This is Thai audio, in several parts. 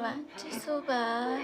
吧，结束吧。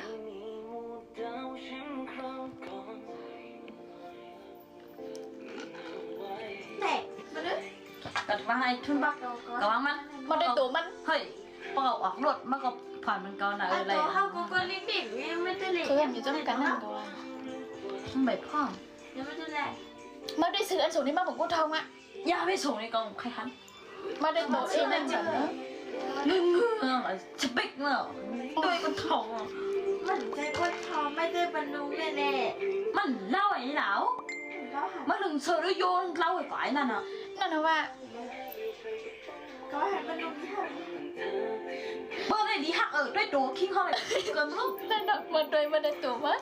กัดว่าให้ทุนบักกะว่ามันได้ตัวมันเฮ้ยพอออกรถมันก็ผ่านมันก่อนนะอะไรตัวเขาก็เล็กๆไม่ได้เล็กคือแบบอยู่จำกันนั่นก็ว่ามันแบบพ่อยังไม่ได้แหละมาได้ซื้ออันสูงนี่มาบอกกูทองอ่ะอย่าไปส่งในกองใครทันมาได้ตัวเองนั่นแบบนี้จะบิ๊กเนอะด้วยก็ทองมันใจคนทองไม่ได้บรรลุแน่มันเล่าไอ้เหลาๆเขาหันมันถึงเสือโยนเล่าไอ้ฝ่ายนั่นอ่ะนั่นนะว่าเขาหันบรรลุที่หันเบอร์ไหนดีหักด้วยตัวคิงเขาเลยเกินลูกนั่นน่ะมาโดยมาได้ตัวมั้ย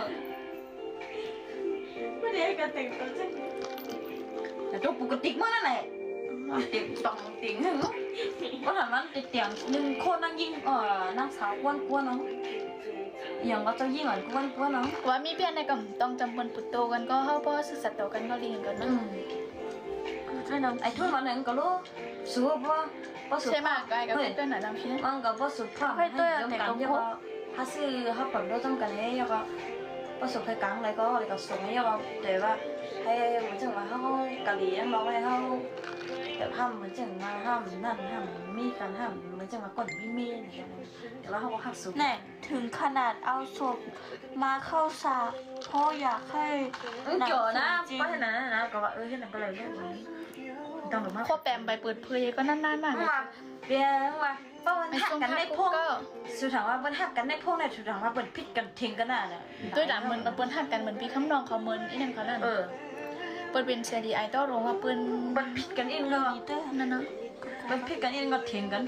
ไม่ได้กันแต่งตัวจังแต่ตัวปกติมันนั่นแหละเตียงตองเตียงหนึ่งก็ถามว่าเตียงหนึ่งคนนั่งยิงนั่งสาวกวนเนาะอย่างก็จะยิงอ่ะกวนเนาะว่ามีเพียงในกับต้องจำบนปุตโตกันก็เข้าเพราะศึกษาต่อกันก็เรียนกันนะใช่เนาะไอ้ทุ่นวันนั้นก็รู้สู้ว่าสู้ใช่มากไกลกับเพื่อนหน่อยลำชี้มันก็ว่าสู้พร้อมให้เดิมกันยังว่าถ้าซื้อถ้าผลด้วยจำกันให้ยังก็ว่าสู้ใครกลางอะไรก็ส่งให้ยังก็แต่ว่าให้เหมือนจังว่าเขากะหรี่ยังบอกให้เขาแต่ห้ามเหมือนจังมาห้ามนั่นห้ามมีกันห้ามเหมือนจังมาก่อนมีอะไรอย่างเงี้ยแต่ว่าเขาก็หักสู้แน่ถึงขนาดเอาศพมาเข้าฉากเพราะอยากให้เกี่ยวนะเพราะฉะนั้นนะก็ว่าที่นั่นก็เลยเรื่องนี้ต้องแบบว่าข้อแปมไปเปิดเผยก็นานๆมากมาเรียนว่าป้าวันหักกันในพงก็สุดท้ายว่าวันหักกันในพงเนี่ยสุดท้ายว่าเป็นพิษกันทิ้งกันน่ะเนี่ยด้วยด่าเหมือนเปิ้นหักกันเหมือนพี่คำนองเขาเหมือนอีนั่นเขานั่นเปิ้นเป็นเซดีไอดอลลงว่าเปิ้นเป็นพิษกันอินก็เตอร์นั่นเนาะเป็นพิษกันอินก็ทิ้งกัน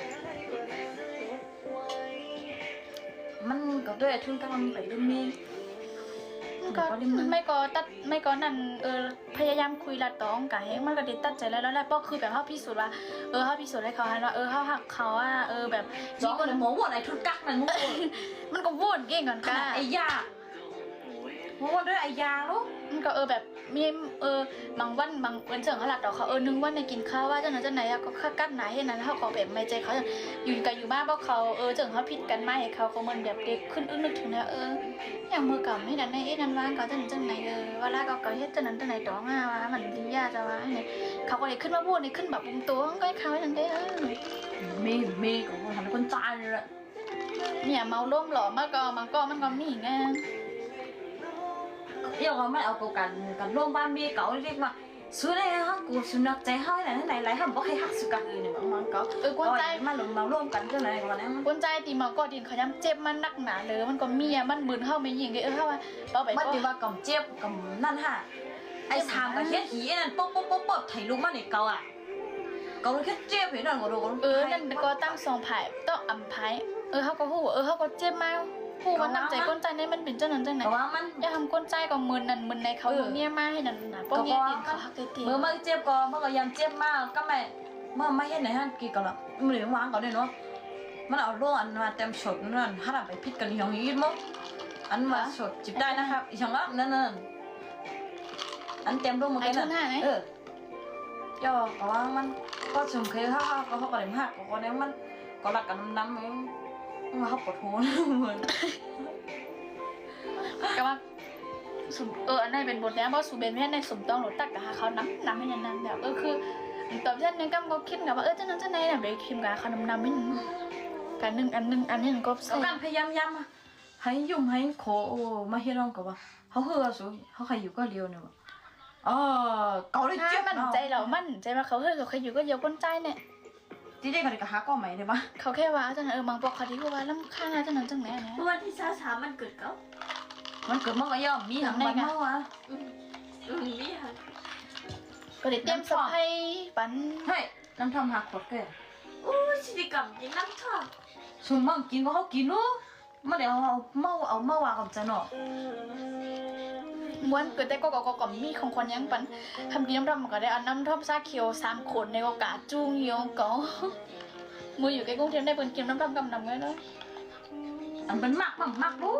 มันก็ด้วยทุนกำลังไปเรื่องนี้ก็ไม่ก็นั่นพยายามคุยละตองกะให้มันก็ได้ตัดใจแล้วแหละเพราะคือแบบเฮาพิสูจน์ว่าเฮาพิสูจน์ให้เขาหันว่าเฮาหักเขาอ่ะแบบร้องคนหมอว่าอะไรทุนกักมันมึงมันก็วุ่นเก่งก่อนขกะนาดไอ้ยาหมอว่าด้วยไอ้ยาลูกมันก็แบบมีบางวันเจิงเขาหลับดอกเขานึงวันในกินข้าวว่าเจ้านั้นเจ้าไหนก็กั้นไหนให้นั้นเขาก็แบบไม่ใจเขาอยู่กันอยู่บ้านเพราะเขาเจิงเขาผิดกันมาให้เขาเหมือนแบบเด็กขึ้นนึกถึงนะอย่างมือเก่าให้นั้นในนั้นว่างเขาเจ้านั้นเจ้าไหนเวลาเขาเฮ็ดเจ้านั้นเจ้าไหนดอกว่ามันดียาจะว่าเนี่ยเขาก็เลยขึ้นมาพูดในขึ้นแบบปุ้มตัวก็ให้เขาให้นั้นได้มีก็ทำคนตายเลยเนี่ยเมาล้มหล่อมากก็มันก็มีไงเดี๋ยวมันเอากันร่วมบ้านมีเก่าเรียกว่าสุดเลยฮะกูสุนัขใจเฮ้ยไหนไรเขาบอกให้หักสุกันเลยเนี่ยมันก็กวนใจมาหลงมาร่วมกันก็ไหนกันนะกวนใจตีเมาก็ดินเขาย้ำเจ็บมันนักหนาเลยมันก็มีมันมึนเข้าไม่ยิงเข้าว่าต่อไปมันดีว่ากับเจ็บกับนั่นฮะไอ้สามกับเฮ็ดหีนั่นป๊อบถ่ายรูปมาเนี่ยเก่าอ่ะเก่าแค่เจ็บเห็นหน่อยก็โดนนั่นก็ตั้งสองไผ่ต้องอ่ำไผ่เขาก็หูเขาก็เจ็บมากผู้มันนักใจก้นใจในมันเป็นเจ้านั้นจังไหนว่ามันอย่าทำก้นใจก็มึนนั่นมึนในเขาเนี่ยมาให้นั่นนะป้องเงี้ยดินเขาหักตีเมื่อเจ็บก็เมื่อก็ยังเจ็บมากก็ไม่เมื่อไม่เห็นไหนฮะกี่ก็ละมันเหลือวางก่อนเลยเนาะมันเอาล่วงอันมาเต็มสดนั่นถ้าเราไปพิษกันอย่างนี้มั้งอันมาสดจิบได้นะครับอีกอย่างละนั่นอันเต็มล่วงมาแค่นั้นย่อก็ว่ามันก็สมเคยเขาก็เลยหักก็เนี่ยมันก็หลักกันน้ำมันเขาปวดหัวเหมือนก็ว่าสุอันนั้นเป็นบทนี้เพราะสุเบนแม่ในสมต้องหลุดตักกับเขาน้ำให้นานๆแบบคือตอนที่นั้นก็คิดกับว่าเจ้านั้นเจ้าไหนน่ะไปคิมกับเขาน้ำไม่กันหนึ่งอันนี้ก็การพยายามย้ำให้ยุ่งให้โคมาให้ร้องกับว่าเขาเฮือสุเขาใครอยู่ก็เลี้ยวเนี่ยเกาเลยเจ็บมันใจเรามันใจว่าเขาเฮือเขาอยู่ก็เยอะก้นใจเนี่ยที่ได้กันกับหาก็ไหมเลยปะเขาแค่ว่าเจ้านั้นบางปกเขาที่ว่าล้ำค่าเจ้านั้นจังไหนเนี่ยวันที่23มันเกิดเขามันเกิดเมื่อก็ย่อมมีทั้งวันเมื่อวะมีค่ะก็เลยเตรียมสให้ปันเฮ้ยน้ำทำหักขวดเกลือโอ้ชิลิกัมกินน้ำท่อมส่วนมั่งกินก็เขากินนู้มาเดี๋ยวเอาเมื่อวานกับจะหนอม้วนเกิดแต่ก็มีของคนยังปันทำกินน้ำท่อมก็ได้เอาน้ำท่อมซาเขียว3 คนในโอกาสจุงเหี่ยวก็มืออยู่ใกล้กรุงเทพได้เปิดกินน้ำท่อมกำนำไว้แล้วอันเป็นมากรู้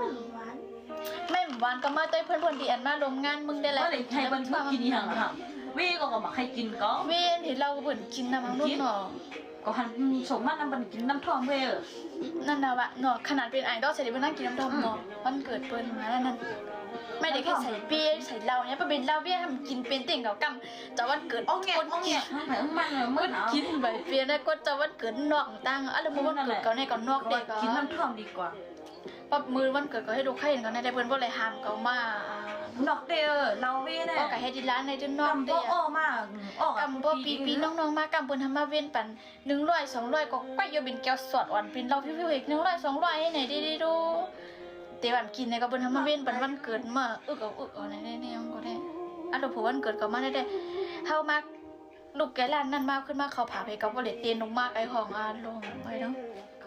ไม่หวานก็มาเต้ยเพื่อนๆดีอันมาลงงานมึงได้แล้วก็เลยให้เพื่อนกินอย่างละวีก็มาใครกินก็เว้นเห็นเราเบิ่นกินน้ำมันนุ่นเนาะก็หันสมมาน้ำบันกินน้ำทองเว้ยนั่นน่ะวะเนาะขนาดเป็นไอดอลเสร็จแล้วนั่งกินน้ำดำเนาะวันเกิดเปิ้นมาแล้วนั่นไม่ได้แค่ใส่เบียร์ใส่เหล้าเนี่ยเป็นเหล้าเบียร์ทำกินเป็นติ่งกับกำจะวันเกิดโอ้แงโอ้แงมันมืดเอากินใบเบียร์ได้ก็จะวันเกิดนอกตั้งอะไรมือวันเกิดเขาในก่อนนอกเด็กกินน้ำทองดีกว่าปั๊บมือวันเกิดก็ให้ดูใครเห็นเขาในได้เปิ้นบ่เลยห้ามเขามาดอกเดียวเราเว้ยเนี่ยก็กะให้ดิร้านในดินนอกกำเด้บ่อ้อมากอ้อกำบ่ปีน้องๆมากำเปิ้นทำมาเว้นปัน100 200ก็ก้อยอยู่เป็นแก้วสดอ่อนเป็นเราพิ้วๆอีก100 200ให้ไหนดีๆดูแต่ว่ากินเนี่ยก็เปิ้นทำมาเว้นปันวันเกิดมาเอาในนี่ก็ได้อันเราผู้วันเกิดก็มาได้เฮามาลูกแกร้านนั้นมาขึ้นมาเขาผาไปก็บ่ได้เตียนลงมากไอ้ของอาลงไว้เนาะ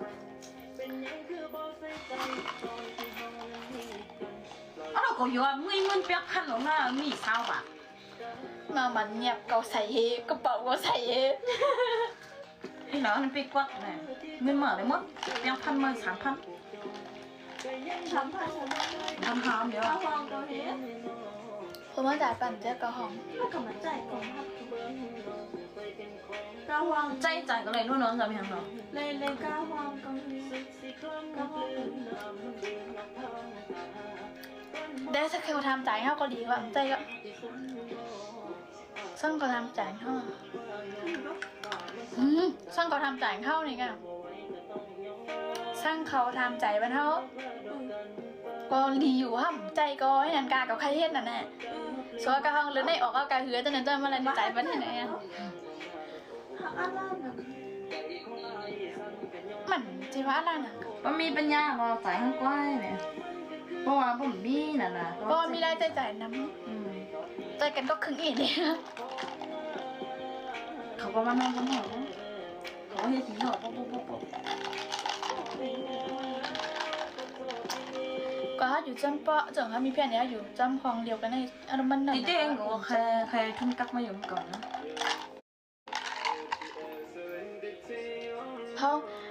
เราก็อยู่ว่ามึงเปียกพันหรอกนะมีเศร้าอ่ะมามันเงียบเกาใส่เฮกระเป๋าก็ใส่เฮไอ้หนอมันไปกวดเนี่ยเงินเหมือเลยมั้งเปียกพันมา3,000 ทำผ้าฉันทำหามเดี๋ยวข้าววางตัวเฮ็ดเพราะว่าจ่ายปั่นเจ้ากระหองถ้ากับมันใจกองทัพกาวางใจก็เลยนู่นน้องจะไม่ทำหรอเลยกาวางกองเฮ็ดกาวางได้สักเขาทำจ่ายเขาก็ดีกว่าใจก็ซึ่งเขาทำจ่ายเขาซึ่งเขาทำจ่ายเข้านี่กันซึ่งเขาทำจ่ายบ้านเขาก็ดีอยู่ห้ามใจก็ให้นันกากับใครเฮ็ดนั่นแน่ส่วนกระหองหรือในออกก็กระเหือจะนั่นจะมาอะไรจ่ายบ้านที่ไหนอ่ะอะไรน่ะมันจีว่าอะไรน่ะมันมีปัญญาเราจ่ายข้างก้อยเนี่ยเพราะว่าผมมีน่ะนะก็มีรายจ่ายน้ำใจกันก็ครึ่งอีกเนี่ยเขาก็มานั่งกันหอเขาเฮ็ดสีหอปุ๊บก็อยู่จำเปาะจังเขามีเพื่อนเนี้ยอยู่จำห้องเดียวกันในอารมณ์มันจริงๆก็ใครทุ่มกักมาอยู่ก่อนนะเขา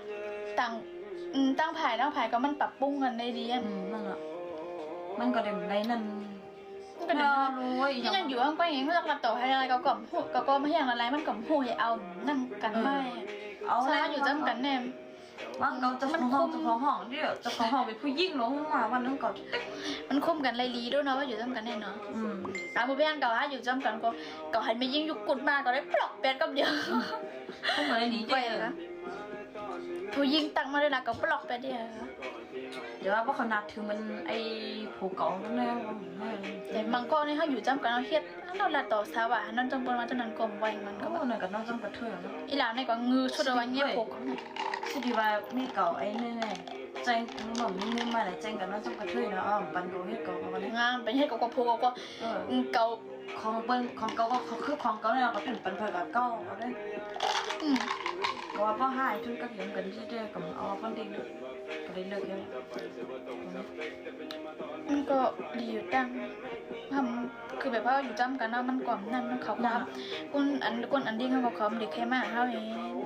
ตั้งผ่ายก็มันปรับปรุงกันได้ดีอ่ะนั่นแหละมันก็เด็มได้นั่นก็เดี๋ยวรู้ว่าอีที่นั่นอยู่ข้างใกล้เองเขาจะกระต่อให้อะไรก็ก็ไม่อย่างอะไรมันก็หูยเอานั่นกันไม่เอาซาอยู่จำกันแน่ว่าเราจะของห้องเดี๋ยวจะของห้องเป็นผู้ยิ่งลงมาวันนึงก่อนมันคุ้มกันไรลีด้วยเนาะว่าอยู่จำกันแน่เนาะผู้เพื่อนเก่าอยู่จำกันก็ให้ไม่ยิ่งยุกกุดมาก็ได้ปลอกแปดกับเดียวก็เหมือนหนีไปเจ๊เหรอผู้ยิงตังมาเลยนะก็ปลอกแปดเดียวเดี๋ยวว่าเขานัดถึงมันไอ้ผูกเก่านั่นแหละแต่บางก้อนนี่เขาอยู่จำกันเอาเฮ็ดเราละต่อสาวะนั่นจำเป็นมาจนนั้นกลมไว้มันก็ก็หน่อยกับน้องจำกระเทือนอีหลานในก็งือชุดวันเงี้ยพกสิดีว่ามีเก่าไอ้แน่ๆแจ้งทั้งหมดนี่มาแล้วแจ้งกับน้องจำกระเทือนนะปันโกเฮ็ดเก่าวันนี้งานเป็นเฮ็ดก็พกก็เก่าของเปิ้นของเก่าก็คือของเก่าเนี่ยก็เป็นปันเพิ่นกับเก่าเอาได้ก็ว่าพ่อหายทุนก็เห็นกันที่เด้กับเอาคนดีก็ได้เลิกแล้วมันก็ดีอยู่ตั้งทำคือแบบว่าอยู่จำกันนะมันก่อนนั่นเขาครับคุณอันดิ้งเขาบอกเขาเด็กแค่มาเขาเอง